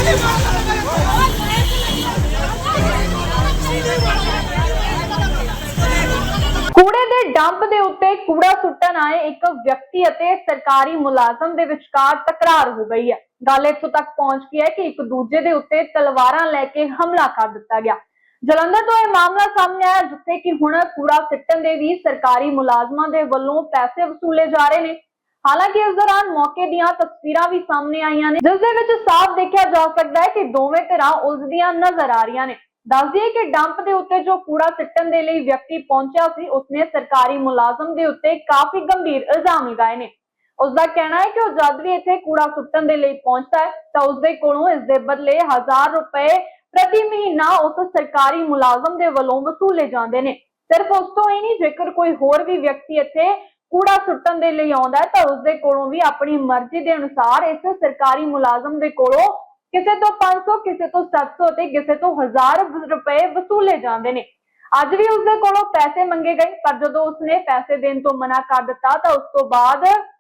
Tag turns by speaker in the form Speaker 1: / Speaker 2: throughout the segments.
Speaker 1: कूड़े के डंप के उत्ते कूड़ा सुट्टन आए एक व्यक्ति अते सरकारी मुलाजम के विचकार तकरार हो गई है। गल इत्थों तक पहुंच गई है कि एक दूजे के उत्ते तलवारां लेके हमला कर दिता गया। जलंधर तो यह मामला सामने आया जिथे कि हुण कूड़ा सिट्टन दे भी सरकारी मुलाजमां दे वल्लों पैसे वसूले जा रहे हैं। हालांकि इस दौरान मौके दीयां तस्वीरां भी सामने आईयां ने जिस दे विच साफ देखा जा सकता है कि दोवें धिरां उलझदियां नजर आ रही ने। दस दिए कि डंप के उत्ते जो कूड़ा सिट्टन दे लई व्यक्ति पहुंचा सी उसने सरकारी मुलाजम के उत्ते काफी गंभीर इल्जाम लगाए ने। उसका कहना है कि वह जब भी इत्थे कूड़ा सुट्टन दे लई पहुंचता है तो उसके कोलों इस दे बदले 1000 रुपए प्रति महीना उस सरकारी मुलाजम के वलों वसूले जाते हैं। सिर्फ उस तो ही नहीं, जेकर कोई होर भी व्यक्ति इत्थे कूड़ा सुट्टन दे लई आउंदा है तो उसके कोलों भी अपनी मर्जी के अनुसार इस सरकारी मुलाजम के कोलों किसी तो 500 किसी तो 700 ते किसी तो 1000 रुपए वसूले जाते हैं। अज भी उसके कोलों पैसे मंगे गए पर जो उसने पैसे देने तो मना कर दिता तो उस तो बाद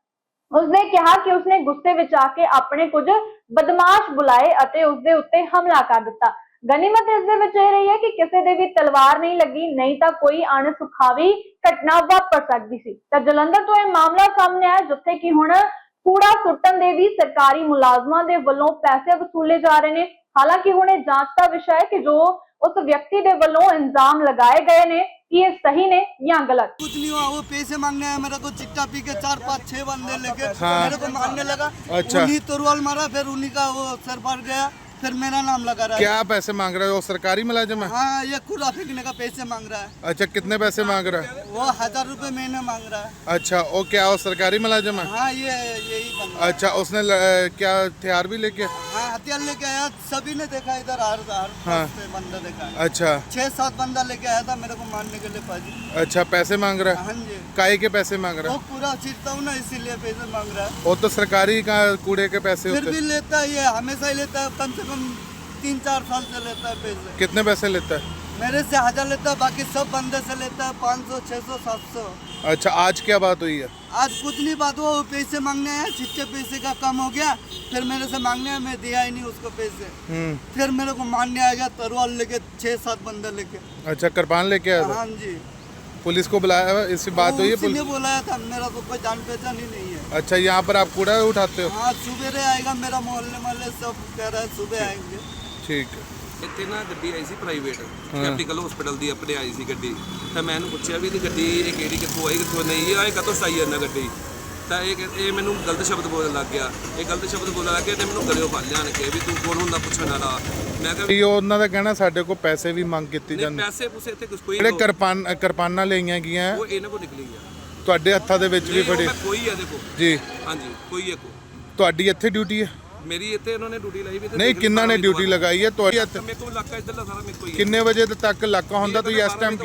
Speaker 1: उसने कहा कि उसने गुस्से विच आके अपने कुछ बदमाश बुलाए अते उसके उत्ते हमला कर दिता। गनीमत इस दे विच रही है कि किसी दे भी तलवार नहीं लगी, नहीं तो कोई अणसुखावी घटना वापर सकती सी। तो जलंधर तो यह मामला सामने आया जिथे कि हुण कूड़ा सुट्टन दे भी सरकारी मुलाजमां दे वल्लों पैसे वसूले जा रहे हैं। हालांकि हुण यह जांच का विषय है कि जो उस व्यक्ति दे वल्लों इल्जाम लगाए गए ने कि ये सही ने या गलत।
Speaker 2: कुछ नहीं हुआ, वो पैसे मांगने आया मेरे को, चिट्टा पी के 4-5-6 बंदे लेके मेरे को मारने लगा।
Speaker 3: अच्छा।
Speaker 2: उन्हीं तोरवाल मारा, फिर उन्हीं का वो सर फट गया, फिर मेरा नाम लगा रहा है।
Speaker 3: क्या पैसे मांग रहे हो? सरकारी मुलाजिम है?
Speaker 2: हाँ, ये कूड़ा फेंकने का पैसे मांग रहा है।
Speaker 3: अच्छा, कितने पैसे मांग रहा है?
Speaker 2: वो 1000 रुपए महीने मांग रहा है।
Speaker 3: अच्छा, वो क्या वो सरकारी मुलाजिम है?
Speaker 2: हाँ, यही बंदा।
Speaker 3: अच्छा, उसने क्या हथियार भी लेके?
Speaker 2: हाँ, हथियार लेके आया, सभी ने देखा इधर
Speaker 3: हाँ।
Speaker 2: बंदा देखा है।
Speaker 3: अच्छा,
Speaker 2: 6-7 बंदा लेके आया था मेरे को मारने के लिए पाजी।
Speaker 3: अच्छा, पैसे मांग रहा है?
Speaker 2: हाँ जी।
Speaker 3: काहे के पैसे मांग रहा
Speaker 2: वो
Speaker 3: है?
Speaker 2: पूरा चिरता हूँ ना, इसीलिए पैसे मांग रहा है।
Speaker 3: वो तो सरकारी का कूड़े के पैसे
Speaker 2: फिर
Speaker 3: होते
Speaker 2: भी लेता है, ये हमेशा ही लेता है, कम से कम 3-4 साल से लेता है पैसे।
Speaker 3: कितने पैसे लेता है?
Speaker 2: मेरे से 1000 लेता है, बाकी सब बंदे से लेता है 500, 600, 700।
Speaker 3: अच्छा, आज क्या बात हुई है?
Speaker 2: आज कुछ नहीं बात हुआ, वो पैसे मांगने आया, छिट्टे पैसे का कम हो गया, फिर मेरे से मांगने आया, मैं दिया ही नहीं उसको पैसे। फिर मेरे को मारने आ गया तलवार लेके, 6-7 बंदे लेके।
Speaker 3: अच्छा, कृपान लेके आया था?
Speaker 2: हाँ जी।
Speaker 3: पुलिस को बुलाया? इससे बात हुई है?
Speaker 2: उसी ने बुलाया था, मेरा तो कोई जान पहचान ही नहीं है।
Speaker 3: अच्छा, यहाँ पर आप कूड़ा उठाते हो?
Speaker 2: हाँ, सुबह आएगा, मेरा मोहल्ले सब कह रहा है सुबह आएंगे।
Speaker 3: ठीक है।
Speaker 4: ਇੱਥੇ ਨਾ ਗੱਡੀ ਆਈ ਸੀ ਪ੍ਰਾਈਵੇਟ ਕੈਪੀਟਲ ਹਸਪੀਟਲ ਦੀ ਆਪਣੇ ਆਈ ਸੀ ਗੱਡੀ ਤਾਂ ਮੈਂ ਇਹਨੂੰ ਪੁੱਛਿਆ ਵੀ ਇਹ ਗੱਡੀ ਇਹ ਕਿਹੜੀ ਕਿੱਥੋਂ ਆਈ ਕਿੱਥੋਂ ਨਹੀਂ ਇਹ ਕਦੋਂ ਸਾਈ ਜਾਂਦਾ ਗੱਡੀ ਤਾਂ ਇਹ ਮੈਨੂੰ ਗਲਤ ਸ਼ਬਦ ਬੋਲਣ ਲੱਗ ਗਿਆ ਇਹ ਗਲਤ ਸ਼ਬਦ ਬੋਲਣ ਲੱਗ ਗਿਆ ਤੇ ਮੈਨੂੰ ਗਲਿਓ ਫੜ ਲਿਆ ਕਿ ਵੀ ਤੂੰ ਕੌਣ ਹੁੰਦਾ ਪੁੱਛਣ ਵਾਲਾ ਮੈਂ ਕਿਹਾ
Speaker 3: ਵੀ ਉਹਨਾਂ ਦਾ ਕਹਿਣਾ ਸਾਡੇ ਕੋਲ ਪੈਸੇ ਵੀ ਮੰਗ ਕੀਤੀ ਜਾਂਦੇ
Speaker 4: ਪੈਸੇ ਪੂਸੇ ਇੱਥੇ ਕੁਝ ਕੋਈ
Speaker 3: ਜਿਹੜੇ ਕਿਰਪਾਨਾਂ ਲਈਆਂ ਗਈਆਂ
Speaker 4: ਉਹ ਇਹਨਾਂ ਕੋਲ ਨਿਕਲੀ ਗਿਆ
Speaker 3: ਤੁਹਾਡੇ ਹੱਥਾਂ ਦੇ ਵਿੱਚ ਵੀ ਫੜੀ
Speaker 4: ਕੋਈ ਆ ਦੇਖੋ
Speaker 3: ਜੀ
Speaker 4: ਹਾਂਜੀ ਕੋਈ ਇੱਕ
Speaker 3: ਤੁਹਾਡੀ ਇੱਥੇ ਡਿਊਟੀ ਹੈ?
Speaker 4: ਮੇਰੀ ਇੱਥੇ ਇਹਨਾਂ ਨੇ ਡਿਊਟੀ ਲਾਈ ਵੀ
Speaker 3: ਨਹੀਂ, ਕਿੰਨਾਂ ਨੇ ਡਿਊਟੀ ਲਗਾਈ ਹੈ ਤੁਹਾਡੀ?
Speaker 4: ਮੇਰੇ ਕੋਲ ਇਲਾਕਾ ਇੱਧਰਲਾ ਸਾਰਾ ਮੇਰੇ ਕੋਲ ਹੀ ਹੈ।
Speaker 3: ਕਿੰਨੇ ਵਜੇ ਤੱਕ ਇਲਾਕਾ ਹੁੰਦਾ ਤੁਸੀਂ ਇਸ ਟਾਈਮ?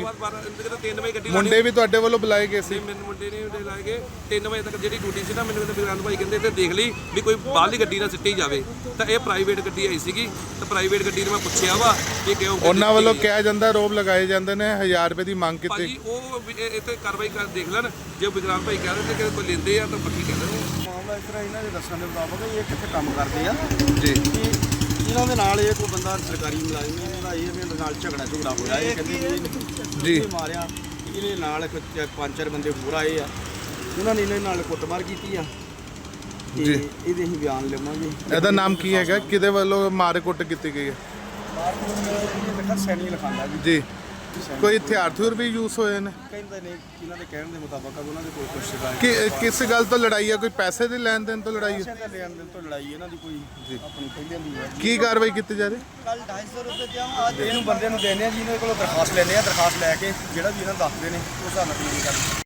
Speaker 4: 3 ਵਜੇ ਗੱਡੀ
Speaker 3: ਮੁੰਡੇ ਵੀ ਤੁਹਾਡੇ ਵੱਲੋਂ ਬੁਲਾਏ ਗਏ ਸੀ?
Speaker 4: ਮੈਨੂੰ ਮੁੰਡੇ ਨੇ ਲਾਏ ਗਏ 3 ਵਜੇ ਤੱਕ ਜਿਹੜੀ ਡਿਊਟੀ ਸੀ ਨਾ ਮੈਨੂੰ ਕਹਿੰਦੇ ਬਿਰਾਨ ਭਾਈ ਕਹਿੰਦੇ ਤੇ ਦੇਖ ਲਈ ਵੀ ਕੋਈ ਬਾਹਰਲੀ ਗੱਡੀ ਨਾ ਸਿੱਟੀ ਜਾਵੇ ਤਾਂ ਇਹ ਪ੍ਰਾਈਵੇਟ ਗੱਡੀ ਆਈ ਸੀਗੀ ਤਾਂ ਪ੍ਰਾਈਵੇਟ ਗੱਡੀ ਨੂੰ ਮੈਂ ਪੁੱਛਿਆ ਵਾ ਕਿ ਕਿਉਂ
Speaker 3: ਉਹਨਾਂ ਵੱਲੋਂ ਕਿਹਾ ਜਾਂਦਾ ਰੋਬ ਲਗਾਏ ਜਾਂਦੇ ਨੇ 1000 ਰੁਪਏ ਦੀ ਮੰਗ ਕੀਤੀ।
Speaker 4: ਭਾਜੀ ਉਹ ਇੱਥੇ ਕਾਰਵਾਈ ਕਰ ਦੇਖ ਲੈਣ ਜੇ ਬਿਰਾਨ ਭਾਈ ਕਹਿ ਰਹੇ ਕਿ ਕੋਈ ਲੈਂਦੇ ਆ ਤਾਂ ਪੱਕੀ ਕਹਿ ਰਹੇ
Speaker 5: ਮਾਮਲਾ ਇਸ ਤਰ੍ਹਾਂ ਇਹਨਾਂ ਦੇ ਦੱਸਣ ਦੇ ਮੁਤਾਬਕ ਇਹ ਕਿੱਥੇ ਕੰਮ ਕਰਦੇ ਆ
Speaker 3: ਜੀ
Speaker 5: ਕਿ ਇਹਨਾਂ ਦੇ ਨਾਲ ਇਹ ਕੋਈ ਬੰਦਾ ਸਰਕਾਰੀ ਮੁਲਾਜ਼ਮ ਹੈ, ਇਹਦਾ ਇਹਦੇ ਨਾਲ ਝਗੜਾ ਹੋਇਆ। ਇਹ ਕਹਿੰਦੇ
Speaker 3: ਜੀ
Speaker 5: ਮਾਰਿਆ, ਇਹਦੇ ਨਾਲ 5-4 ਬੰਦੇ ਹੋਰ ਆਏ ਆ, ਉਹਨਾਂ ਨੇ ਇਹਨਾਂ ਨਾਲ ਕੁੱਟਮਾਰ ਕੀਤੀ ਆ ਤੇ
Speaker 3: ਜੀ।
Speaker 5: ਇਹਦੇ ਅਸੀਂ ਬਿਆਨ ਲਵਾਂਗੇ।
Speaker 3: ਇਹਦਾ ਨਾਮ ਕੀ ਹੈਗਾ? ਕਿਹਦੇ ਵੱਲੋਂ ਮਾਰ ਕੁੱਟ ਕੀਤੀ ਗਈ ਹੈ?
Speaker 5: ਲਿਖਾ ਸੈਣੀ ਲਿਖਾਂਦਾ
Speaker 3: ਜੀ। ਕੋਈ ਹਥਿਆਰ ਥੁਰ ਵੀ ਯੂਜ਼ ਹੋਏ ਨੇ?
Speaker 5: ਕਹਿੰਦੇ ਨੇ ਇਹਨਾਂ ਦੇ ਕਹਿਣ ਦੇ ਮੁਤਾਬਕ ਉਹਨਾਂ ਦੇ ਕੋਲ ਕੁਝ ਸੀਗਾ।
Speaker 3: ਕਿਸ ਗੱਲ ਤੋਂ ਲੜਾਈ ਹੈ? ਕੋਈ ਪੈਸੇ ਦੇ ਲੈਣ ਦੇਣ ਤੋਂ ਲੜਾਈ ਹੈ?
Speaker 5: ਪੈਸੇ ਦੇ ਲੈਣ ਦੇਣ ਤੋਂ ਲੜਾਈ ਇਹਨਾਂ ਦੀ ਕੋਈ ਆਪਣੀ ਪਹਿਲਾਂ ਦੀ ਹੈ।
Speaker 3: ਕੀ ਕਾਰਵਾਈ ਕੀਤੀ ਜਾ ਰਹੀ?
Speaker 2: ਕੱਲ 250 ਰੁਪਏ ਦਿਆਵਾਂ, ਅੱਜ
Speaker 5: ਇਹਨੂੰ ਬੰਦੇ ਨੂੰ ਦੇਣੇ ਆ, ਜਿਹਨਾਂ ਕੋਲੋਂ ਦਰਖਾਸਤ ਲੈਂਦੇ ਆ, ਦਰਖਾਸਤ ਲੈ ਕੇ ਜਿਹੜਾ ਵੀ ਇਹਨਾਂ ਦੱਸਦੇ ਨੇ ਉਸ ਹਿਸਾਬ ਨਾਲ ਕਾਰਵਾਈ ਕਰਦੇ।